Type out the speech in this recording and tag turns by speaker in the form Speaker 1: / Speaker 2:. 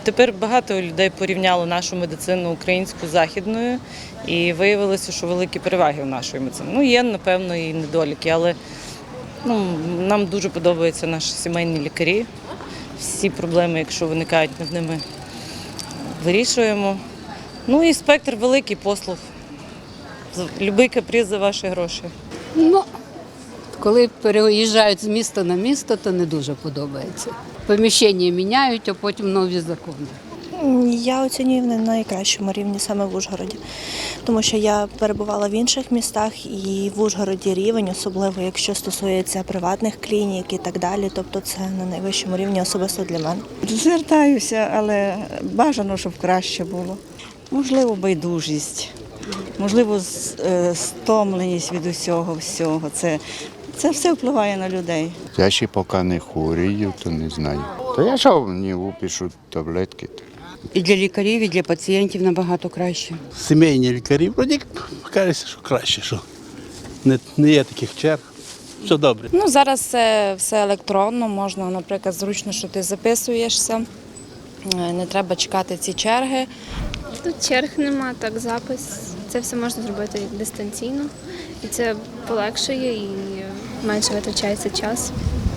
Speaker 1: Тепер багато людей порівняло нашу медицину українську з західною і виявилося, що великі переваги у нашої медицини. Ну, є, напевно, і недоліки, але нам дуже подобаються наші сімейні лікарі. Всі проблеми, якщо виникають, ми з ними вирішуємо. Ну і спектр великий, послуг. Любий каприз за ваші гроші.
Speaker 2: Ну, коли переїжджають з міста на місто, то не дуже подобається. Поміщення міняють, а потім нові закони.
Speaker 3: Я оцінюю на найкращому рівні саме в Ужгороді, тому що я перебувала в інших містах і в Ужгороді рівень, особливо якщо стосується приватних клінік і так далі, тобто це на найвищому рівні особисто для мене.
Speaker 4: Звертаюся, але бажано, щоб краще було. Можливо, байдужість, можливо, стомленість від усього. Це все впливає на людей.
Speaker 5: Я ще поки не хворію, то не знаю. То я що мені випишу таблетки.
Speaker 6: І для лікарів, і для пацієнтів набагато краще.
Speaker 7: Сімейні лікарі, вроді кажеться, що краще, що не є таких черг. Все добре.
Speaker 8: Ну, зараз все електронно, можна, наприклад, зручно, що ти записуєшся, не треба чекати ці черги.
Speaker 9: Тут черг нема, так запис. Це все можна зробити дистанційно. І це полегшує і менше витрачається час.